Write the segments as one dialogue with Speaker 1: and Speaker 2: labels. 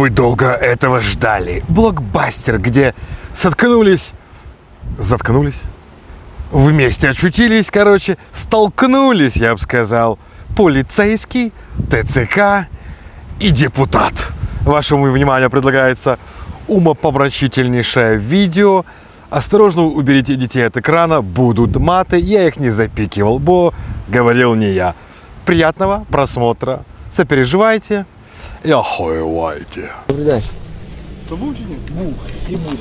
Speaker 1: Вы долго этого ждали. Блокбастер, где заткнулись, вместе очутились, короче, столкнулись, я бы сказал, полицейский, ТЦК и депутат. Вашему вниманию предлагается умопомрачительнейшее видео. Осторожно уберите детей от экрана, будут маты, я их не запикивал, бо говорил не я. Приятного просмотра, сопереживайте і охуєвайте.
Speaker 2: Добрий день.
Speaker 3: То був чи ні?
Speaker 2: Був і буде.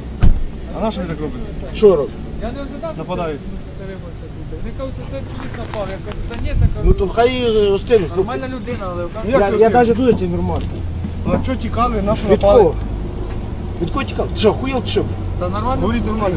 Speaker 3: А на що ви так робите?
Speaker 2: Що робить?
Speaker 4: Я не ожидав, що
Speaker 3: Нападають.
Speaker 4: вони кажуть, що це поліс напав. Я кажу, та ні, це
Speaker 2: Ну
Speaker 4: кажу,
Speaker 2: то хай розтинуть.
Speaker 4: нормальна людина, але
Speaker 3: Ну, як це
Speaker 2: Я
Speaker 3: з
Speaker 2: навіть дуже це нормально.
Speaker 3: А що тікали, на що
Speaker 2: Від
Speaker 3: напали?
Speaker 2: кого? Від кого тікав? Ти що, хуєл чи що?
Speaker 4: та нормально.
Speaker 3: Говоріть нормально.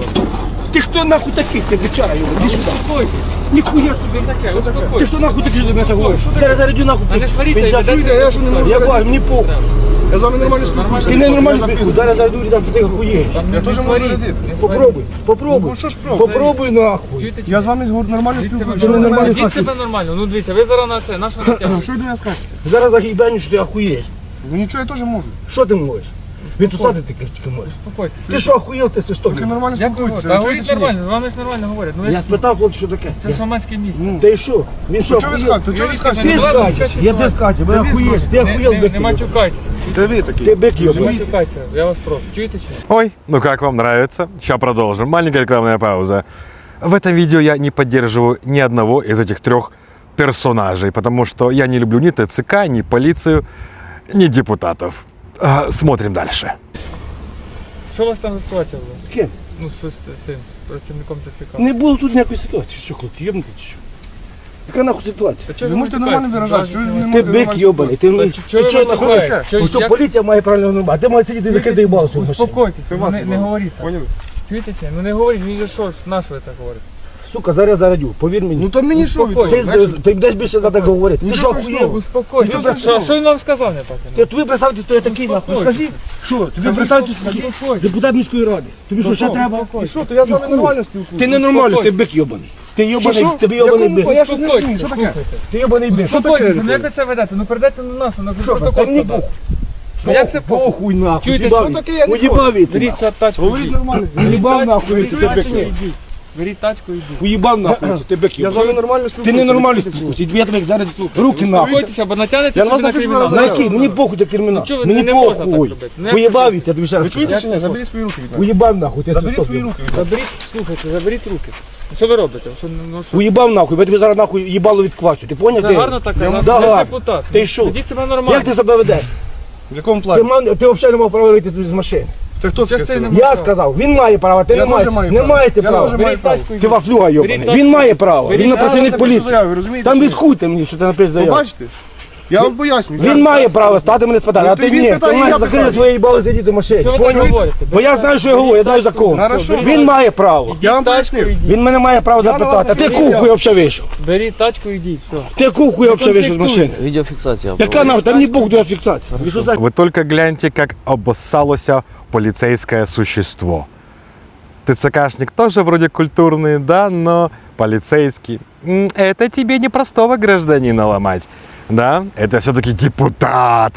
Speaker 2: Ти хто нахуй такий? Ти бичара його, іди сюди.
Speaker 4: Успокойтесь.
Speaker 2: Ніхуя собі.
Speaker 4: Що таке?
Speaker 2: Ти
Speaker 4: Успокойтесь.
Speaker 2: хто нахуй такий, що ти мене так говориш? Зараз зарядю нахуй.
Speaker 4: А не сваріться,
Speaker 2: Пиздя,
Speaker 4: йдете,
Speaker 3: чуєте, я що не можу
Speaker 2: Я
Speaker 3: сказати?
Speaker 2: бачу, мені похуй.
Speaker 3: Я з вами нормально спілкуюся.
Speaker 2: Ти не нормально
Speaker 3: Я
Speaker 2: спілкуєш.
Speaker 3: запитую.
Speaker 2: Зараз зарядю і дам, що ти хуєш.
Speaker 3: Я теж можу радити.
Speaker 2: Попробуй, попробуй.
Speaker 3: Ну що ж просто?
Speaker 2: Попробуй нахуй.
Speaker 4: Чуєте, чи
Speaker 3: Я
Speaker 4: ні?
Speaker 3: з вами нормально
Speaker 4: Дивіться,
Speaker 3: спілкуюся.
Speaker 2: ви
Speaker 3: Що ви
Speaker 2: нормально
Speaker 3: мене-
Speaker 4: Ведіть себе нормально. Ну дивіться, ви зараз на це, на що натягуєте?
Speaker 3: Що ви до мене скажете?
Speaker 2: Зараз загибаню, що ти охуєш.
Speaker 3: Ну нічого, я теж можу.
Speaker 2: Що ти можеш? Він тусати ти тільки можеш.
Speaker 4: Успокойтесь.
Speaker 2: Ти що охуєл, ти що?
Speaker 3: Тільки нормально
Speaker 4: Як ви
Speaker 3: спілкуйтеся.
Speaker 4: говорите? Та
Speaker 3: Ви
Speaker 4: говоріть
Speaker 3: чуєте чи ні?
Speaker 4: нормально, з вами ж нормально говорять. Ну ви
Speaker 2: Я
Speaker 4: ж,
Speaker 2: спитав, хлопці, що таке.
Speaker 4: це ж громадське місце.
Speaker 2: Та й що? Він що,
Speaker 3: То чого ви
Speaker 2: охуєл?
Speaker 3: скажете? То чого ви
Speaker 2: Ти
Speaker 3: скажете?
Speaker 4: Ну,
Speaker 2: скачеш, я ти скачеш, ви
Speaker 3: Це ви
Speaker 2: охуєш, ти охуєл
Speaker 4: Не
Speaker 2: бик.
Speaker 4: матюкайтесь.
Speaker 3: Це ви такі.
Speaker 2: Ти бик
Speaker 4: Не
Speaker 2: йобаний.
Speaker 4: матюкайтеся, я вас прошу. Чуєте чи ні?
Speaker 1: Ой, ну как вам нравится? Сейчас продолжим. Маленькая рекламная пауза. В этом видео я не поддерживаю ни одного из этих трех персонажей, потому что я не люблю ни ТЦК, ни полицию, ни депутатов. Смотрим дальше.
Speaker 4: Що у вас там за ситуація була?
Speaker 2: З ким?
Speaker 4: Ну, що з цим працівником ТЦК?
Speaker 2: Не було тут ніякої ситуації. Що, хлопці, йобнути чи що? Яка нахуй ситуація?
Speaker 4: Та чого
Speaker 3: Ви можете
Speaker 4: матюкаєтесь?
Speaker 3: нормально виражатися. Що ви не
Speaker 2: Ти
Speaker 3: можете
Speaker 2: бик
Speaker 3: нормально
Speaker 2: йобаний,
Speaker 3: спілкуватися?
Speaker 2: ти
Speaker 4: Чого ви
Speaker 2: нахуй?
Speaker 4: матюкаєте? Чого-
Speaker 2: Ось що,
Speaker 4: як-
Speaker 2: поліція має правильно нормати. Ти маєш сидіти, викидай балцю в машину.
Speaker 4: Успокойтесь,
Speaker 3: Це
Speaker 4: ну,
Speaker 3: вас
Speaker 4: не говоріть так.
Speaker 3: Поняли?
Speaker 4: Чуєте чи ні? Ну не говоріть, він же що ж, на що ви так говорите?
Speaker 2: Сука, зараз зарадю, повір мені.
Speaker 3: Ну то мені що від
Speaker 4: Успокойтесь.
Speaker 3: того?
Speaker 2: Ти
Speaker 3: Значить,
Speaker 2: будеш більше за так говорити. Ти
Speaker 3: Нічого
Speaker 2: що,
Speaker 3: страшного.
Speaker 2: охуєв?
Speaker 4: Успокойтесь.
Speaker 3: Нічого
Speaker 4: Що,
Speaker 3: страшного.
Speaker 4: що він вам сказав не так?
Speaker 2: Ти тобі представте, хто я такий нахуй. Скажи, що, тобі представте, депутат міської ради. Тобі що, ще треба?
Speaker 3: І що, то я з вами нормально спілкуюся.
Speaker 2: Ти ненормальний, ти бик йобаний. Ти йобаний,
Speaker 3: Що?
Speaker 2: тобі
Speaker 3: Якому
Speaker 2: йобаний бик.
Speaker 3: плані? Я щось не розумію,
Speaker 4: Успокойтесь,
Speaker 3: що таке?
Speaker 4: слухайте.
Speaker 2: Ти йобаний бик.
Speaker 3: Що таке?
Speaker 4: Успокойтесь, ну як ви себе ведете? Ну передайте на нас, ну
Speaker 2: Що,
Speaker 4: протокол
Speaker 2: та мені
Speaker 4: складати.
Speaker 2: похуй.
Speaker 4: Ну як це похуй?
Speaker 2: Похуй нахуй.
Speaker 4: Чуєте,
Speaker 2: уїбав
Speaker 3: що
Speaker 2: від-
Speaker 3: таке? Я не
Speaker 2: Уїбав від
Speaker 4: Беріть
Speaker 2: тебе.
Speaker 4: тачку,
Speaker 3: Говоріть
Speaker 4: йдіть.
Speaker 3: нормально.
Speaker 2: Уїбав нахуй, ти
Speaker 4: Беріть
Speaker 2: бик
Speaker 4: тачку,
Speaker 2: йобаний.
Speaker 4: йдіть. Беріть тачку, йдіть.
Speaker 2: Уїбав нахуй, ти бик
Speaker 3: Я з вами
Speaker 2: йобаний.
Speaker 3: нормально
Speaker 2: Ти
Speaker 3: спілкуюся.
Speaker 2: ненормальний спілкуйся. Я тебе зараз руки нахуй.
Speaker 4: Успокойтеся, бо натягнете
Speaker 3: Я на вас
Speaker 4: собі на
Speaker 3: напишу
Speaker 4: кримінал.
Speaker 3: зараз
Speaker 2: На який? Мені похуй до кримінал.
Speaker 4: чого ви
Speaker 2: Мені
Speaker 4: не можна так
Speaker 2: похуй.
Speaker 4: робити? Ну, як
Speaker 2: Уїбав
Speaker 4: це
Speaker 2: від, я тобі ще раз
Speaker 3: Ви чуєте
Speaker 2: кажу.
Speaker 3: чи ні? Заберіть свої руки від мене.
Speaker 2: Уїбав нахуй, ти
Speaker 3: Заберіть
Speaker 2: свисток.
Speaker 3: свої руки від мене.
Speaker 4: Заберіть, слухайте, заберіть руки. Що ви робите? Що, ну, що?
Speaker 2: Уїбав нахуй, бо я тобі зараз нахуй їбало відквачу. Ти поняв?
Speaker 4: Це
Speaker 2: ти?
Speaker 4: гарно так,
Speaker 3: Я
Speaker 4: наш
Speaker 2: Да, гарно.
Speaker 4: депутат.
Speaker 2: Ти що?
Speaker 4: Ведіть себе нормально.
Speaker 2: Як ти себе ведеш?
Speaker 3: В якому
Speaker 2: Ти,
Speaker 3: плані?
Speaker 2: ти взагалі не мав права вийти з машини.
Speaker 3: Це хто
Speaker 4: Що
Speaker 3: таке
Speaker 4: ж це
Speaker 3: сказав?
Speaker 4: не
Speaker 2: Я
Speaker 4: права.
Speaker 2: сказав, він має право, ти
Speaker 3: Я
Speaker 2: не
Speaker 3: теж
Speaker 2: маєш.
Speaker 3: маю
Speaker 2: Не
Speaker 3: право.
Speaker 2: маєте
Speaker 3: Я
Speaker 2: права.
Speaker 3: теж маю
Speaker 4: Беріть
Speaker 3: право.
Speaker 4: тачку,
Speaker 2: Ти
Speaker 4: йдіть.
Speaker 2: вафлюга
Speaker 4: Беріть
Speaker 2: йобаний.
Speaker 4: тачку.
Speaker 2: Він має право.
Speaker 4: Беріть
Speaker 2: Він на
Speaker 4: тачку.
Speaker 2: працівник
Speaker 3: Я напишу
Speaker 2: поліції.
Speaker 3: заяву, ви розумієте
Speaker 2: Там
Speaker 3: чи ні?
Speaker 2: відхуйте мені, що ти напишеш
Speaker 3: Ви
Speaker 2: заяву.
Speaker 3: бачите? Я вам пояснюю.
Speaker 2: Він має право стати мене спитати,
Speaker 3: Ну,
Speaker 2: а
Speaker 3: ти
Speaker 2: ти
Speaker 3: він
Speaker 2: ні.
Speaker 3: питає,
Speaker 2: Ти
Speaker 3: і
Speaker 2: маєш
Speaker 3: я
Speaker 2: закрити
Speaker 3: питаю.
Speaker 2: своє їбало сидіти в машині.
Speaker 4: Що ви так
Speaker 2: Поняв?
Speaker 4: говорите?
Speaker 2: Бо я знаю, що я говорю, я знаю закон.
Speaker 3: Хорошо.
Speaker 2: Він має право.
Speaker 3: Я вам
Speaker 4: Тачку
Speaker 3: пояснив.
Speaker 4: йдіть.
Speaker 2: Він мене має право
Speaker 3: Я на вас
Speaker 2: запитати. А ти
Speaker 3: напишу
Speaker 2: кухуй взагалі вийшов.
Speaker 4: Беріть тачку, йдіть. Все.
Speaker 2: Ти кухуй взагалі вийшов з машини.
Speaker 5: Відеофіксація.
Speaker 2: Яка нахуй? Там не Бог до фіксації.
Speaker 1: Вы только гляньте, как обоссалося полицейское существо. ТЦКшник тоже вроде культурный, да, но полицейский. Это тебе не простого гражданина ломать. Да, это все-таки депутат.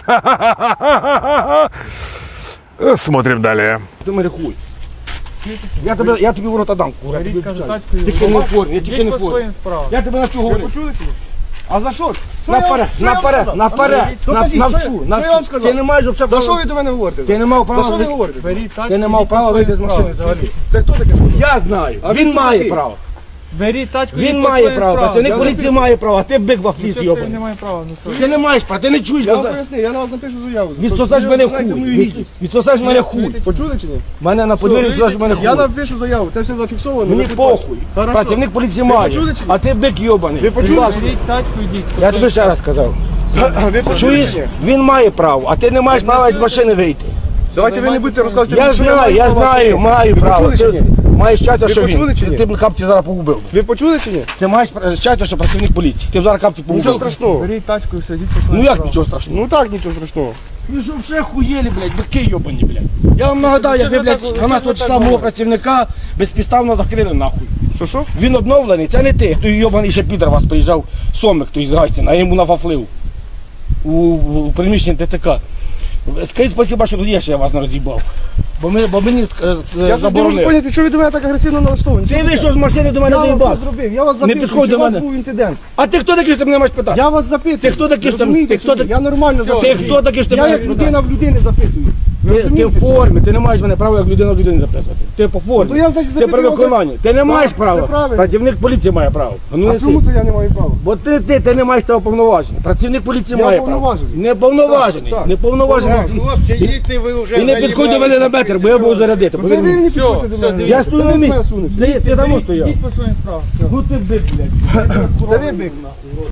Speaker 1: Смотрим далее.
Speaker 2: Ти мене хуй. Я тобі в рота дам, кура. я тобі
Speaker 4: Беріть, кажу,
Speaker 2: обіцяю.
Speaker 4: тачку йдіть.
Speaker 2: Тільки не в формі, я тільки
Speaker 4: Йдіть
Speaker 2: не в
Speaker 4: по
Speaker 2: формі.
Speaker 4: своїм справам.
Speaker 2: Я тебе навчу
Speaker 3: Ви
Speaker 2: говорити.
Speaker 3: почули чи ні? А за що? Що я вам-
Speaker 2: Наперед,
Speaker 3: що я вам
Speaker 2: наперед,
Speaker 3: сказав?
Speaker 2: наперед,
Speaker 3: Докажіть,
Speaker 2: навчу,
Speaker 3: що я вам сказав?
Speaker 2: Ти не маєш взагалі
Speaker 3: За що
Speaker 2: права.
Speaker 3: ви до мене говорите?
Speaker 2: Ти не мав
Speaker 3: За
Speaker 2: права.
Speaker 3: що ви говорите?
Speaker 4: Беріть тачку,
Speaker 2: Ти не мав
Speaker 4: йдіть по
Speaker 2: права
Speaker 4: своїм
Speaker 2: вийти з машини
Speaker 4: справам.
Speaker 2: взагалі.
Speaker 3: Це хто таке сказав?
Speaker 2: Я знаю,
Speaker 3: А
Speaker 2: він
Speaker 3: він
Speaker 2: має
Speaker 3: такий?
Speaker 2: право.
Speaker 4: Беріть тачку,
Speaker 2: Він
Speaker 4: йдіть по
Speaker 2: має
Speaker 4: своїм
Speaker 2: право,
Speaker 4: справам.
Speaker 2: працівник
Speaker 3: Я
Speaker 2: поліції має право, а ти бик вафліст
Speaker 4: Що ж ти
Speaker 2: йобаний.
Speaker 4: не має права? Ну що?
Speaker 2: Ти не маєш права, ти не чуєш.
Speaker 3: Я вам пояснив, я на вас напишу заяву.
Speaker 2: Відсосаєш
Speaker 3: Ви
Speaker 2: мене
Speaker 3: знаєте мою
Speaker 2: хуй.
Speaker 3: гідність.
Speaker 2: Відсосаєш мене хуй.
Speaker 3: Почули чи ні?
Speaker 2: Мене на подвір'ї відсосаєш мене
Speaker 3: Я
Speaker 2: хуй.
Speaker 3: напишу заяву, це все зафіксовано.
Speaker 2: Мені
Speaker 3: ви підпишете.
Speaker 2: похуй.
Speaker 3: Хорошо.
Speaker 2: Працівник поліції має,
Speaker 3: почули чи ні?
Speaker 2: а ти бик йобаний.
Speaker 3: Ви почули?
Speaker 2: Будь ласка.
Speaker 4: Беріть тачку, йдіть.
Speaker 2: Я тобі ще раз сказав.
Speaker 3: Ви почули
Speaker 2: Чуєш?
Speaker 3: чи ні?
Speaker 2: Він має право, а ти не маєш права з машини вийти.
Speaker 3: Давайте ви не будете розказувати,
Speaker 2: Я
Speaker 3: що
Speaker 2: знаю, я
Speaker 3: маю права,
Speaker 2: знаю,
Speaker 3: що ні.
Speaker 2: маю
Speaker 3: Ви
Speaker 2: право.
Speaker 3: почули чи
Speaker 2: Ти
Speaker 3: ні?
Speaker 2: маєш щастя,
Speaker 3: Ви
Speaker 2: що
Speaker 3: почули чи
Speaker 2: він.
Speaker 3: ні?
Speaker 2: Ти б капці зараз погубив.
Speaker 3: Ви почули чи ні?
Speaker 2: Ти маєш щастя, що працівник поліції. Ти б зараз капці
Speaker 3: Нічого
Speaker 2: погубив.
Speaker 3: страшного.
Speaker 4: Беріть тачку і все, йдіть по своїм
Speaker 2: Ну як
Speaker 4: справам.
Speaker 2: нічого страшного?
Speaker 3: Ну так, нічого страшного.
Speaker 2: Ви що вже хуєлі, блядь, бики йобані, блядь. Я вам нагадаю, як ви, блядь, 12 числа мого працівника безпідставно закрили нахуй.
Speaker 3: Що?
Speaker 2: Він обновлений, це не ти. Той йобаний ще підер вас приїжджав, Сомик той з Гастіна, а я йому нафафлив у приміщенні ТЦК. Скажіть спасибо, що є, що я вас не роз'їбав. Бо мені
Speaker 3: Я щось не можу
Speaker 2: заборонили.
Speaker 3: поняти, що ви до мене так агресивно налаштовані.
Speaker 2: Ти вийшов з машини до мене
Speaker 3: Я вам
Speaker 2: доїбав.
Speaker 3: все зробив, я вас запитую,
Speaker 2: підходь
Speaker 3: чи
Speaker 2: до
Speaker 3: у вас
Speaker 2: мене.
Speaker 3: був інцидент.
Speaker 2: А ти хто такий, що ти мене маєш питати?
Speaker 3: Я вас запитую.
Speaker 2: Ти хто такий, що ти-
Speaker 3: Розумієте,
Speaker 2: ти хто
Speaker 3: чи ні?
Speaker 2: такий?
Speaker 3: Я нормально запитую.
Speaker 2: хто такий, що ти
Speaker 3: Я
Speaker 2: мене
Speaker 3: як
Speaker 2: питаєш?
Speaker 3: людина в людини запитую. Ви
Speaker 2: Ти
Speaker 3: розумієте,
Speaker 2: в
Speaker 3: чи ні?
Speaker 2: формі, ти не маєш мене права як людина в людини записувати. Ти по формі.
Speaker 3: Ну, то я, значить,
Speaker 2: Це
Speaker 3: запитую
Speaker 2: при
Speaker 3: вас,
Speaker 2: виконанні. Ти не маєш
Speaker 3: це
Speaker 2: права.
Speaker 3: правильно.
Speaker 2: Працівник поліції має право. Ну,
Speaker 3: А
Speaker 2: не
Speaker 3: чому
Speaker 2: ти.
Speaker 3: це я не маю права?
Speaker 2: Бо ти не маєш того повноваження. Працівник поліції
Speaker 3: Я
Speaker 2: має право.
Speaker 3: повноважений.
Speaker 2: Не повноважений.
Speaker 3: Так, так.
Speaker 2: Не повноважений.
Speaker 5: Хлопці, їдьте ви вже.
Speaker 2: І не підходь до мене на метр, бо я буду зарядити.
Speaker 3: Ну, це ви мені підходите до мене.
Speaker 2: Я стою на
Speaker 3: Це ви
Speaker 2: місці.
Speaker 3: мене сунете.
Speaker 2: Ти там стояв.
Speaker 4: Йдіть по своїм справам.
Speaker 2: Ну ти бик, блядь.
Speaker 3: Це ви бик.